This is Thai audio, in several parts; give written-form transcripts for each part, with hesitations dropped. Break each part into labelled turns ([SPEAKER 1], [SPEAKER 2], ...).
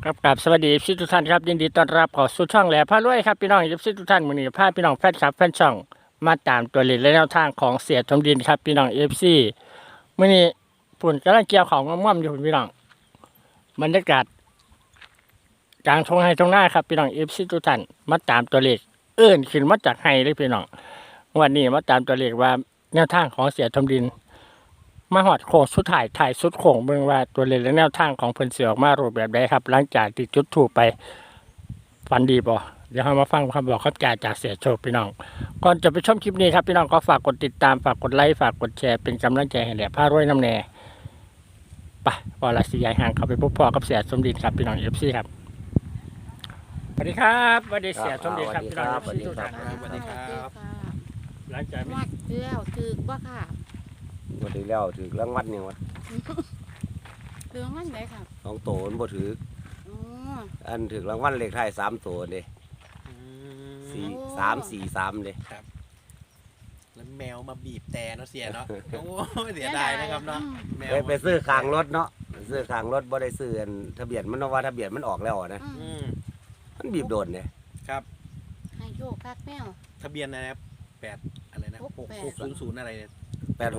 [SPEAKER 1] ครับกับสวัสดีพี่ทุกท่านครับยินดีต้อนรับเข้าสู่ช่องแหล่พารวยครับพี่น้องพี่ทุกท่านมื้อนี้พาพี่น้องแฟนคลับแฟนช่องมาตามตัวเลขและแนวทางของเสียทมดินครับพี่น้อง FC มื้อนี้ฝุ่นกำลังเกี่ยวของม่อมๆอยู่พี่น้องบรรยากาศกลางทุ่งไร่ทุ่งนาครับพี่น้อง FC ทุกท่านมาตามตัวเลขขึ้นมาจากไห้เลยพี่น้องวันนี้มาตามตัวเลขว่าแนวทางของเสียทมดินมาหอดโค้งสุดถ่ายสุดโค้งเบิ่งว่าตัวเลขและแนวทางของเพิ่นสิออกมารูปแบบใดครับหลังจากที่จุดธูปไป ฝันดีป่ะเดี๋ยวเรามาฟังคำบอกคำจ่าจากเสียโชคพี่น้องก่อนจะไปชมคลิปนี้ครับพี่น้องก็ฝากกดติดตามฝากกดไลค์ฝากกดแชร์เป็นกำลังใจให้แหล่พารวยน้ำแน่ไปพอละสีใหญ่ห่างเขาไปพบพ่อกับเสียสมดินครับพี่น้องเอฟซีครับสวัสดีครับสวัสดีเสียสมดินครับพี่น้องเอฟซีทุกท่าน
[SPEAKER 2] สวัสดีครับ
[SPEAKER 1] หลังจากนี้
[SPEAKER 2] วัดแล้วถือว่าค่ะ
[SPEAKER 3] บ่ถือแล้วถือรางวัลเนี่ยวะ
[SPEAKER 2] ถือมันไหนครับ
[SPEAKER 3] สองโตมันบ่ถือ
[SPEAKER 2] อ๋อ
[SPEAKER 3] อันถือรางวัลเลขท้าย3ตัวเด้
[SPEAKER 2] โอ้
[SPEAKER 3] 3 4 3เด้
[SPEAKER 4] แล้วแมวมาบีบแต่เนาะเสียเนาะ โอ้ยเสียดายนะครับเนาะแมว
[SPEAKER 3] ไปซื้อข้างรถเนาะไปซื้อข้างรถบ่ได้ซื้ออันทะเบียนมันเนาะว่าทะเบียนมันออกแล้วนะ
[SPEAKER 2] อืม
[SPEAKER 3] มันบีบโดนเด้
[SPEAKER 4] ครับ
[SPEAKER 2] ให้โชคคักแมว
[SPEAKER 4] ทะเบียนอะไรนะ8อะไรนะ
[SPEAKER 2] หกแปด
[SPEAKER 4] 600อะไรเนี่ย
[SPEAKER 3] 860
[SPEAKER 2] 860 3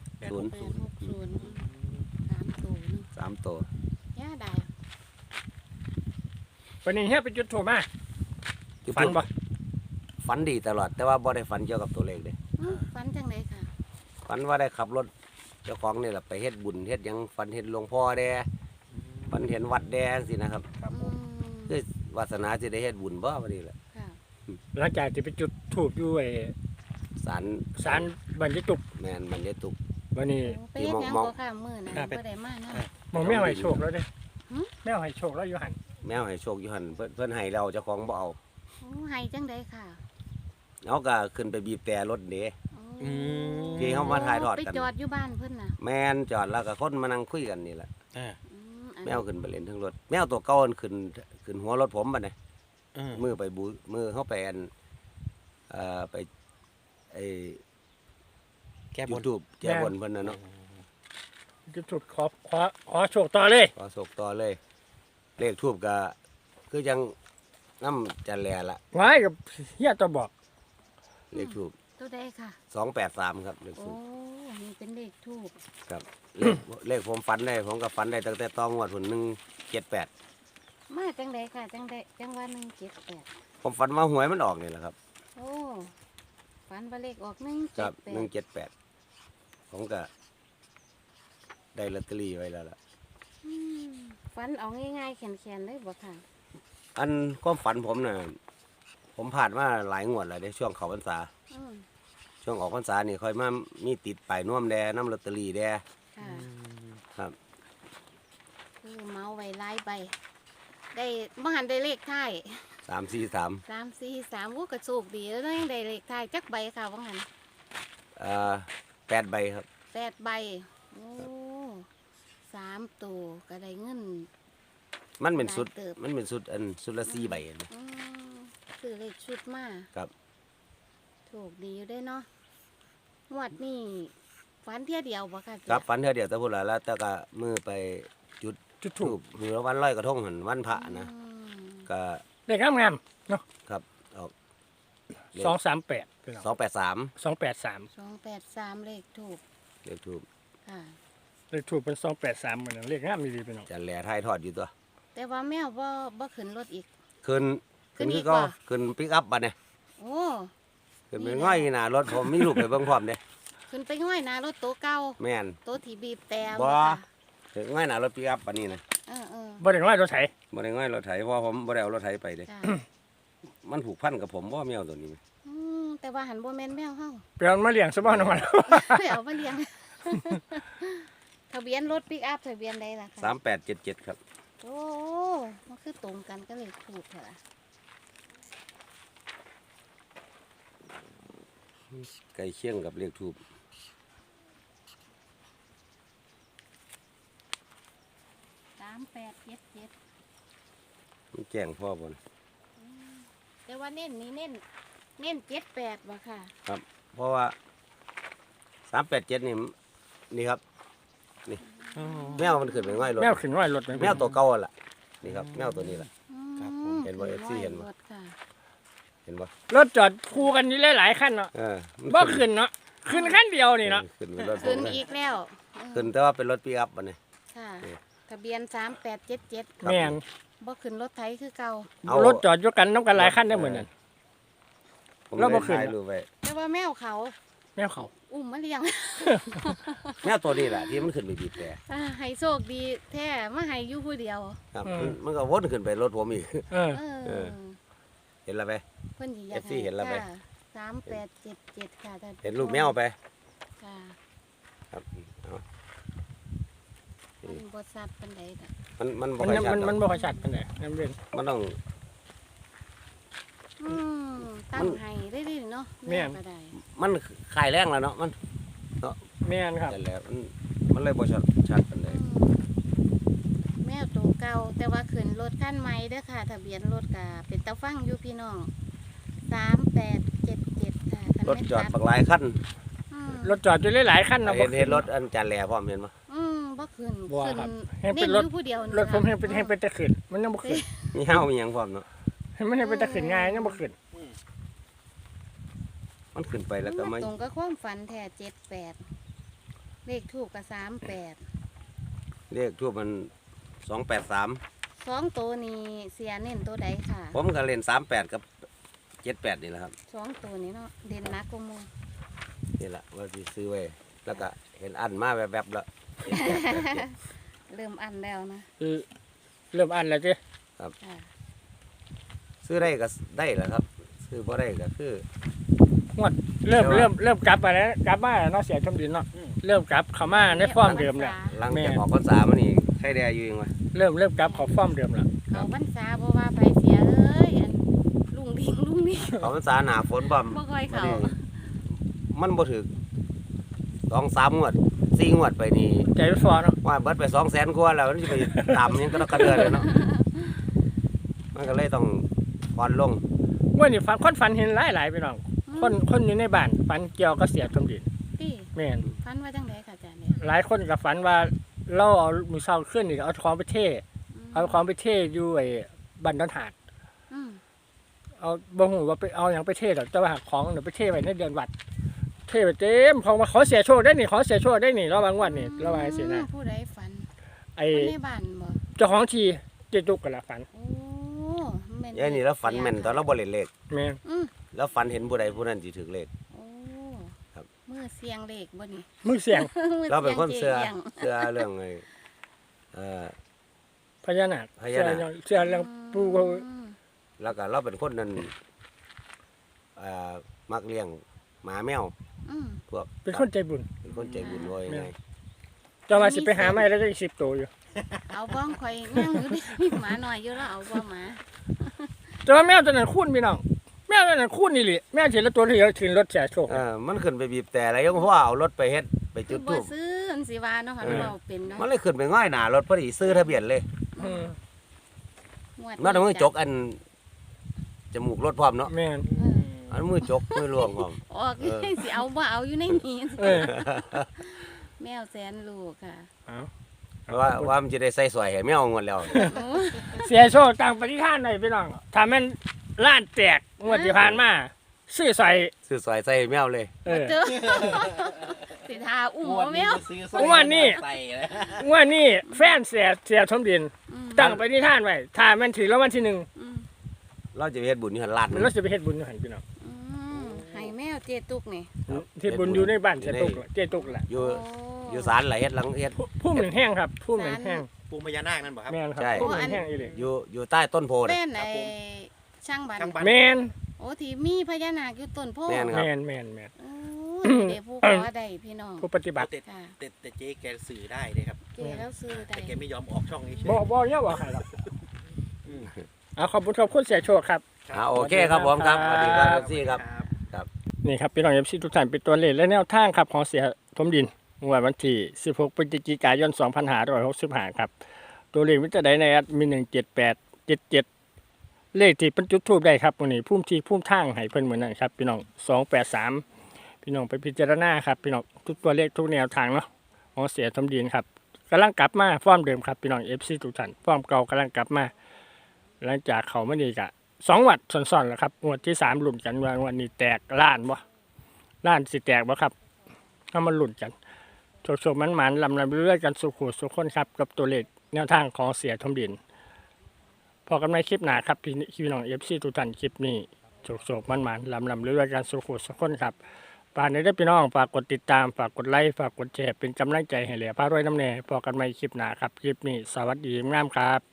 [SPEAKER 2] ตัวนึง
[SPEAKER 3] 3ตัว
[SPEAKER 2] ย่าได้
[SPEAKER 1] วันนี้เฮียไปจุดถูกมา
[SPEAKER 3] จุด
[SPEAKER 1] ฝันป่ะ
[SPEAKER 3] ฝันดีตลอดแต่ว่าบ่ได้ฝันเกี่ยวกับตัวเลขเด้
[SPEAKER 2] ฝันจังไดค่ะ
[SPEAKER 3] ฝันว่าได้ขับรถเจ้าของนี่แหละไปเฮ็ดบุญเฮ็ดหยังฝันเห็นหลวงพ่อแดฝันเห็นวัดแดสินะครับ
[SPEAKER 4] ครับผ
[SPEAKER 2] อื
[SPEAKER 4] ม
[SPEAKER 2] ม
[SPEAKER 3] คือวาสนาสิได้เฮ็ดบุญบ่บัดนี้แหละ
[SPEAKER 2] ค่ะ
[SPEAKER 1] หลังจากที่ไปจุดถูกอยู่ไอ้
[SPEAKER 3] ศาล
[SPEAKER 1] ศาลบันยิตุก
[SPEAKER 3] แม่นมันได้ตุก
[SPEAKER 1] วันนี้
[SPEAKER 2] ไปเฮ็ดหยัง
[SPEAKER 3] มอง
[SPEAKER 2] บ่ค่ะมื้อนั้นบ่ได้มาเนาะ
[SPEAKER 1] มองแมวให้โชคแล้วเด้
[SPEAKER 2] หืม
[SPEAKER 1] แมวให้โชคแล้วอยู่หัน
[SPEAKER 3] แมวให้โชคอยู่หั่นเพิ่นให้แล้วเจ้าของบ่เอา
[SPEAKER 2] โอ้ให้จังไดค่ะ
[SPEAKER 3] เอาก็ขึ้นไปบีบแต่รถเด้
[SPEAKER 2] โอ้
[SPEAKER 3] ที่เขามาถ่ายทอดกัน
[SPEAKER 2] ไปจอดอยู่บ้านเพิ่นน่ะ
[SPEAKER 3] แม่นจอดแล้วก็คนมานั่งคุยกันนี่แหละ
[SPEAKER 4] อ่า
[SPEAKER 2] อัน
[SPEAKER 3] แมวขึ้นไปเล่นทั้งรถแมวตัวเก่ามันขึ้นหัวรถผมบัดนี้ มือไปมือเข้าไปอันไปไอ้
[SPEAKER 4] แก้บ
[SPEAKER 3] ยู
[SPEAKER 4] น
[SPEAKER 3] ทูบแก้บนเพิ่นน่ะเนาะ
[SPEAKER 1] จุดถูกขอโชคต่อเลย
[SPEAKER 3] ขอโศกต่อเลย เลขทูบก็คือยังน้ำจันแลละ
[SPEAKER 1] ไว้กับเฮียตัวบอก
[SPEAKER 3] เลขทูบ
[SPEAKER 2] ตัวใดค่ะ
[SPEAKER 3] 283ครับเลข
[SPEAKER 2] โอ้
[SPEAKER 3] ทูบ
[SPEAKER 2] นี่เป็นเลขทูบ
[SPEAKER 3] ครับเลขผมฝันได้ผมก็ฝันได้ตั้งแต่ต้องวดหุ่น178
[SPEAKER 2] มาจังไดค่ะจังไดจังว่า178
[SPEAKER 3] ผมฝันว่าหวยมันออกนี่แหละครับ
[SPEAKER 2] โอ้ฝันว่าเลขออก
[SPEAKER 3] ครับ
[SPEAKER 2] 178
[SPEAKER 3] ผมก็ได้ลอตเตอรี่ไว้แล้วล่ะ
[SPEAKER 2] อืมฝันเอาง่ายๆแขนๆเลยบ่ค่ะ
[SPEAKER 3] อันความฝันผมน่ะผมผ่านมาหลายงวดแล้วในช่วงเขาพรรษา
[SPEAKER 2] อืม
[SPEAKER 3] ช่วงออกพรรษานี่ค่อยมามีติดป้ายน่วมแดน้ำลอตเตอรี่แด
[SPEAKER 2] ค่ะ
[SPEAKER 3] ครับ
[SPEAKER 2] คือเมาไว้หลายใบได้บ่หันได้เลขท้าย
[SPEAKER 3] 343
[SPEAKER 2] 343โอ้ก็โชคดีแล้วเนาะยังได้เลขท้ายจักใบค่ะบ่หัน
[SPEAKER 3] 8 ใบครับ
[SPEAKER 2] 8ใบโอ้3ตัวก็ได้เงิน
[SPEAKER 3] มันเป็นสุด
[SPEAKER 2] หลายเติบ
[SPEAKER 3] มันเป็นสุดอันสุดละ4 ใบนะ
[SPEAKER 2] อืมคือเลขชุดมา
[SPEAKER 3] ครับ
[SPEAKER 2] โชคดีอยู่ได้เนาะงวดนี้ฝันเที่ยเดียวบ่ค่ะ
[SPEAKER 3] ครับฝันเท่าเดียวแต่พูดแล้วแต่ก็มือไปจุด
[SPEAKER 1] จุด
[SPEAKER 3] ทู
[SPEAKER 1] ถูก
[SPEAKER 3] บหรือวันลอยกระทงหันวันพระนะ
[SPEAKER 2] อืม
[SPEAKER 3] ก็
[SPEAKER 1] เลขงามๆเนาะ
[SPEAKER 3] ครับออก
[SPEAKER 1] 238
[SPEAKER 3] 283
[SPEAKER 1] 283
[SPEAKER 2] 283เลขถูก
[SPEAKER 3] เลขทูบ
[SPEAKER 2] ค่ะ
[SPEAKER 1] เลขถูกเป็น283เหมือนกันเลขงามดีๆพี่น้อง
[SPEAKER 3] จันแหล่ท้ายทอดอยู่ตัว
[SPEAKER 2] แต่ว่าแมวบ่ขึ้นรถอีก
[SPEAKER 3] ขึ้น
[SPEAKER 2] ขึ้นอี
[SPEAKER 3] คื
[SPEAKER 2] ก
[SPEAKER 3] ก็
[SPEAKER 2] บ่
[SPEAKER 3] ขึ้นปิกอัพบัดเนี่ย
[SPEAKER 2] โอ้
[SPEAKER 3] ขึ้นเป็นง่อยหน้ารถผมมีลูกไปเบิ่งพร้อมเด้
[SPEAKER 2] ขึ้นไปง่อยหนารถโตะเก่า
[SPEAKER 3] แม่น
[SPEAKER 2] โตะที่บีบแต่
[SPEAKER 3] บ่
[SPEAKER 2] ค่ะ
[SPEAKER 3] ถึงง่อยหน้ารถปิกอัพปานนี้นะ
[SPEAKER 2] เออ
[SPEAKER 1] บ่ได้น้อยรถไถ
[SPEAKER 3] บ่ได้ง่อยรถไถเพราะผมบ่ได้เอารถไถไปเด้
[SPEAKER 2] จ้า
[SPEAKER 3] มันผูกพันกับผมบ่แมวตัวนี้
[SPEAKER 2] แต่ว่าหันบ่แม่นแมวเฮา
[SPEAKER 1] เปลี่ยนมาเลี้ยงซะบ่น้องมัน
[SPEAKER 2] ไปเอามาเลี้ยง ทะเบียนรถปิกอัพทะเบียนใดล่ะคะ
[SPEAKER 3] 3877ครับ
[SPEAKER 2] โอ้มันคือตรงกันก็เลยถูกเหรอ
[SPEAKER 3] ใกล้เคียงกับเลขทูบ
[SPEAKER 2] 3877
[SPEAKER 3] มันแจ้งพ่อบ่น
[SPEAKER 2] แต่ว่าเน้นนี่เน้น78บ่ค่ะ
[SPEAKER 3] เพราะว่า387นี่ครับ แมวมันขึ้นไปง่อยรถ
[SPEAKER 1] แมวขึ้นน้อยรถ
[SPEAKER 3] แมวตัวเก่าอะล่ะนี่ครับแมวตัวนี้แหละ
[SPEAKER 4] ครับผม
[SPEAKER 3] เห็นบ่ FC เห็นบ่
[SPEAKER 2] รถค่ะ
[SPEAKER 3] เห็นบ่
[SPEAKER 1] รถจอดคู่กันนี่หลายๆคันเนาะ
[SPEAKER 3] มัน
[SPEAKER 1] บ่ขึ้นเนาะขึ้นคันเดียวนี่เนาะ
[SPEAKER 3] ขึ้นเป็นรถผ
[SPEAKER 2] ขึ้น
[SPEAKER 3] มเลย
[SPEAKER 2] อีกแล้ว
[SPEAKER 3] ขึ้นแต่ว่าเป็นรถปิกอัพบัดนี้
[SPEAKER 2] ค่ะ
[SPEAKER 3] เออ
[SPEAKER 2] ทะเบียน3877
[SPEAKER 1] แม่น
[SPEAKER 2] บ่ขึ้นรถไถคือเก่า
[SPEAKER 3] เอา
[SPEAKER 1] รถจอดอยู่กันน้ำกันหลายคันได้เหมือนกัน
[SPEAKER 3] ผม
[SPEAKER 1] แล้วบ่
[SPEAKER 3] เลย
[SPEAKER 1] ขึ้น
[SPEAKER 3] ถ่ายรูปไว้
[SPEAKER 2] แต่ว่าแมวเขา
[SPEAKER 1] แม่เขา
[SPEAKER 2] อุ้มมาเลี้ยง
[SPEAKER 3] แมวตัวนี้แหละที่มันขึ้นไปบีบแต่
[SPEAKER 2] ให้โชคดีแท้มาให้อยู่ผู้เดียว
[SPEAKER 3] ครับมันก็วนขึ้นไปรถผมอีก
[SPEAKER 1] เออ
[SPEAKER 2] เออ
[SPEAKER 3] เห็นแล้วไป
[SPEAKER 2] เพิ่นสิอยาก
[SPEAKER 3] FC เห็นแล้วไหม
[SPEAKER 2] ค่ะ3877ค่ะท่าน
[SPEAKER 3] เห็นรูปแมวไป
[SPEAKER 2] ค่ะ
[SPEAKER 3] ครับเอา
[SPEAKER 2] มันบ่ซัดปานใดค่ะ
[SPEAKER 3] มันบ่
[SPEAKER 1] มัน
[SPEAKER 3] ค่อยชัด
[SPEAKER 1] มัน
[SPEAKER 3] หรอก
[SPEAKER 1] บ่ค่อยชัดปานใดน้ำเรียน
[SPEAKER 3] มันต้อง
[SPEAKER 2] ตั้งให้ได้ดิเนาะ
[SPEAKER 1] แม่น
[SPEAKER 2] ก็ได้
[SPEAKER 3] มันขายแรงแล้วเนาะมัน
[SPEAKER 1] แม่นครับ
[SPEAKER 3] นั่นแหละมันเลยบ่ชัดปานใด
[SPEAKER 2] แมวตัวเก่าแต่ว่าขึ้นรถคันใหม่เด้อค่ะ ทะเบียนรถก็เป็นตาฟังอยู่พี่น้อง3877ค่ะคัน
[SPEAKER 3] รถ
[SPEAKER 2] แม่น
[SPEAKER 3] จอด
[SPEAKER 2] ตั
[SPEAKER 3] บักหลายคัน
[SPEAKER 2] ร
[SPEAKER 1] ร
[SPEAKER 2] ถ
[SPEAKER 1] ถจอดอยู่หลายๆคันเนาะ
[SPEAKER 3] เห็นรถอันจานแหล่พร้อมเห็นบ่
[SPEAKER 2] บ่ขึ้น
[SPEAKER 1] บ่
[SPEAKER 2] ขึ้น
[SPEAKER 1] ครับให้เป็
[SPEAKER 2] เน้
[SPEAKER 1] น
[SPEAKER 2] น
[SPEAKER 1] ร
[SPEAKER 2] อ
[SPEAKER 1] ถ
[SPEAKER 2] ยู่ผู้เดียวนี่
[SPEAKER 1] รถผม
[SPEAKER 2] ค่ะ
[SPEAKER 1] ให้เป็นตะขึ้นมันยังบ่ขึ้น
[SPEAKER 3] มีห้าวมีหยังพร้อมเนาะ
[SPEAKER 1] มันให้เป็นตะขึ้นง่ายยังบ่ขึ้น
[SPEAKER 3] มันขึ้นไปแล้วก็มา
[SPEAKER 2] ตรงกับความฝันแท้78เลขถูกกับ38
[SPEAKER 3] เรียกทั่วมัน283
[SPEAKER 2] 2ตัวนี้เสียเน้นตัวใดค่ะ
[SPEAKER 3] ผมก็เล่น38กับ78นี่แหละครับ
[SPEAKER 2] 2ตัวนี้เนาะเด่นหนักกว่าหมู่
[SPEAKER 3] นี่แหละว่าสิซื้อไว้แล้วก็เห็นอันมาแวบๆแล้ว78
[SPEAKER 2] เริ่มอันแล้วนะ
[SPEAKER 1] คือเริ่มอันแล้วจิ
[SPEAKER 2] ค่ะ
[SPEAKER 3] ซื้อได้ก็ได้แหละครับ ซื้อบ่ได้ก็คือ
[SPEAKER 1] เริ่มกลับมาแล้วกลับมาเนาะเสียชมดินเนาะเริ่มกลับเข้ามาในฟอร์มเดิมแล้ว
[SPEAKER 3] หลัง
[SPEAKER 1] แม่
[SPEAKER 3] จากออกพรรษามานี่ใครได้อยู่เองวะ
[SPEAKER 1] เริ่มกลับเข้าฟอร์มเดิมแล้ว
[SPEAKER 2] เขาพรรษาบ่ว่าไปเสียเอ้ยอันลุงดิ่งลุงนี่
[SPEAKER 3] ออกพรรษาหน้าฝนบ่ม
[SPEAKER 2] บ่ค่อยเข้า
[SPEAKER 3] มันบ่ถึก2-3 งวด 4 งวดไปนี่
[SPEAKER 1] ใจไม่ฟอเนาะ
[SPEAKER 3] ว่าเบิดไป200,000กว่าแล้วมันสิไปตามยังก็ต้องกระเดือนเลยเนาะมันก็เลยต้องผ่อนลง
[SPEAKER 1] วันนี้ฝันเห็นหลายๆพี่น้องคนอยู่ในบ้านฝันเกี่ยวกับเสียชมดิน
[SPEAKER 2] พี่
[SPEAKER 1] แม่น
[SPEAKER 2] พันว่าจังไดค่ะอาจารย์เนี่ย
[SPEAKER 1] หลายคนก็ฝันว่าเราเอามือเศร้าขึ้นนี่เอาของไปเทเอาของไปเทอยู่ไอ้บันดอนหาด
[SPEAKER 2] อืม
[SPEAKER 1] เอาบ่ฮู้ว่าไปเอาหยังไปเทดอกแต่ว่าของเดี๋ยวไปเทไว้ในเดือนวัด เทไปเต็มของมาขอเสียโชคได้นี่ขอเสียโชคได้นี่ระวังวันนี่ระวังสินะ
[SPEAKER 2] ผู้ใดฝัน
[SPEAKER 1] ไอ้
[SPEAKER 2] คนในบ้านบ่
[SPEAKER 1] เจ้าของทีเจตุกกันละฝัน
[SPEAKER 2] โอ้แม่น
[SPEAKER 3] ยายนี่แล้วฝันแม่นตอนเราบ่เล่นเลข
[SPEAKER 1] แม่น
[SPEAKER 2] อืม
[SPEAKER 3] แล้วฝันเห็นผู้ใดผู้นั้นสิถึกเลข
[SPEAKER 2] โอ้
[SPEAKER 3] ครับ
[SPEAKER 2] มือเสียงเลขบ่นี่
[SPEAKER 1] มือเสียง
[SPEAKER 2] มือ
[SPEAKER 3] เราเป็นคน
[SPEAKER 2] สี
[SPEAKER 3] เชื่
[SPEAKER 2] ย
[SPEAKER 3] อง
[SPEAKER 2] จ๊ง
[SPEAKER 3] เชื่อเรื่องไอ้เอ่อ
[SPEAKER 1] พญานาค
[SPEAKER 3] พญานาค
[SPEAKER 1] เชื่อเรื่องปู่
[SPEAKER 2] อืม
[SPEAKER 3] แล้วก็เราเป็นคนนั้นมักเลี้ยงหมาแมว
[SPEAKER 2] อืม
[SPEAKER 3] พวก
[SPEAKER 1] เป็นคนใจบุญ
[SPEAKER 3] เป็นคนใจบุญไว้ไง
[SPEAKER 1] จะมาสิไปหาไม้แล้วจะอีก10ตัวอยู่
[SPEAKER 2] เอาบ้องข่อยนั่งอยู่นี่มีหมาหน่อยอยู่แล้วเอาบ่หมา
[SPEAKER 1] แต่ว่าแมวตัวนั้นคุ้นพี่น้องแมวตัวนั้นคุ้นนี่แหละแมวเห็นแล้วตัวที่ถึงรถเสียโชค
[SPEAKER 3] มันขึ้นไปบีบแต่อะไรยังเพราะว่าเอารถไปเฮ็ดไป
[SPEAKER 2] คื
[SPEAKER 3] จุ
[SPEAKER 2] อ
[SPEAKER 3] ด
[SPEAKER 2] บ่
[SPEAKER 3] ทูบ
[SPEAKER 2] ซื้ออันสิว่าเนาะค่ะ
[SPEAKER 3] เออ
[SPEAKER 2] เราเป็นเนาะ
[SPEAKER 3] มันเลยขึ้นไปง่อยหน้ารถพอดีซื้อทะเบียนเลย
[SPEAKER 1] ม
[SPEAKER 2] งวด
[SPEAKER 3] มันเอามือจกอันจมูกรถพร้อมเนาะ
[SPEAKER 1] แม่น
[SPEAKER 3] อันมือจกมือลวงพร้อม
[SPEAKER 2] ออก
[SPEAKER 3] เออ
[SPEAKER 2] สิเอาบ่เอาอยู่ในนี้
[SPEAKER 1] เออ
[SPEAKER 2] แมวแสนลูกค่ะ
[SPEAKER 1] เอา
[SPEAKER 3] ว่ามันจะได้ใส่สวยให้แมวงวดแล้ว
[SPEAKER 2] โอ้
[SPEAKER 1] เสียโชคต่างปฏิทานหน่อยพี่น้องถ้าแม่นล้านแตกงวดที่ผ่านมาซื้อใส่
[SPEAKER 3] ซื้อสวยใส่ให้แมวเลย
[SPEAKER 1] เออ
[SPEAKER 2] เจอสิทาอุ้มบ่แมว
[SPEAKER 1] งวดนี้
[SPEAKER 4] ใส่เลย
[SPEAKER 1] งวดนี้แฟนเสียทมดิน
[SPEAKER 2] อืม
[SPEAKER 1] ตั้งปฏิทานไว้ถ้าแม่นถือรางวัลที่
[SPEAKER 2] อืม
[SPEAKER 3] เราจะไปเฮ็ดบุญอยู่หันลาด
[SPEAKER 1] 1มันเราจะไปเฮ็ดบุญอยู่หั่นพี่น้อง
[SPEAKER 2] อืมให้แมวเจตุกนี่
[SPEAKER 1] เฮ็ดบุญอยู่ในบ้านเจตุกเจตุกแหละ
[SPEAKER 3] อยู่
[SPEAKER 2] โ
[SPEAKER 3] อยู่ศาลหลายเฮ็ดหลังเฮ็ด
[SPEAKER 1] พุ่มหนึ่งแห้งครับพุ่มหนึ่งแห้ง
[SPEAKER 4] ปูพญานาคนั่นบ่ครับ
[SPEAKER 1] แม่นครับ
[SPEAKER 3] ใช่
[SPEAKER 1] พุ่มหนึ่งแห้งอีหลี
[SPEAKER 3] อยู่ใต้ต้นโพธิ์
[SPEAKER 2] เป็
[SPEAKER 3] น่ะ
[SPEAKER 2] นไอ้ช่างบัน
[SPEAKER 4] ช่างบัน
[SPEAKER 1] แม่น
[SPEAKER 2] โอ้ที่มีพญานาคอยู่ต้นโพธิ์
[SPEAKER 3] แม่น ครับ
[SPEAKER 1] แม่น
[SPEAKER 2] โอ้ยเดี๋ยวผู้ขอได้พี่น้อง
[SPEAKER 1] ผู้ปฏิบัติ
[SPEAKER 4] แต่
[SPEAKER 2] ค่ะ
[SPEAKER 4] แต่เจ๊แกสื่อได้เลยครับ
[SPEAKER 2] เจแล้วซื้อได้
[SPEAKER 4] แต่แกไม่ยอมออกช่องนี้เฉย
[SPEAKER 1] บ่เนี่ยบ่ใครหรอกเอาขอบคุณเสียโชคครับ
[SPEAKER 3] โอเคครับผมครับสวัสดีครับซี่ครับ
[SPEAKER 1] นี่ครับพี่น้องเอฟซีทุกท่านเป็นตัวเลขและแนวทางครับของเสียทมดินงวดวันที่16พฤศจิกายน2565ครับตัวเลขมิตรใดในแอดมี17877เลขที่เพิ่นจุดทูปได้ครับมื้อนี้พุ่มที่พุ่มทางให้เพิ่นเหมือนนั้นครับพี่น้อง283พี่น้องไปพิจารณาครับพี่น้องทุกตัวเลขทุกแนวทางเนาะของเสียทมดินครับกำลังกลับมาฟอร์มเดิมครับพี่น้อง FC ทุกท่านฟอร์มเก่ากำลังกลับมาหลังจากเขาไม่ดีกะ2 วัดซ้อนๆแล้วครับงวดที่3ลุ้นกันว่าวันนี้แตกล้านบ่ล้านสิแตกบ่ครับเอามาลุ้นกันโชคๆมันๆลำเรื่อยๆกันสุขุสุขคนครับกับตัวเลขแนวทางของเสียทมดินพอกันในคลิปหน้าครับพี่น้อง FC ทุกท่านคลิปนี้โชคๆมันๆลำเรื่อยๆกันสุขุสุขคนครับฝากในเด้อพี่น้องฝากกดติดตามฝากกดไลค์ฝากกดแชร์เป็นกำลังใจให้เหลือพารวยน้ำแน่พอกันในคลิปหน้าครับคลิปนี้สวัสดีงามครับ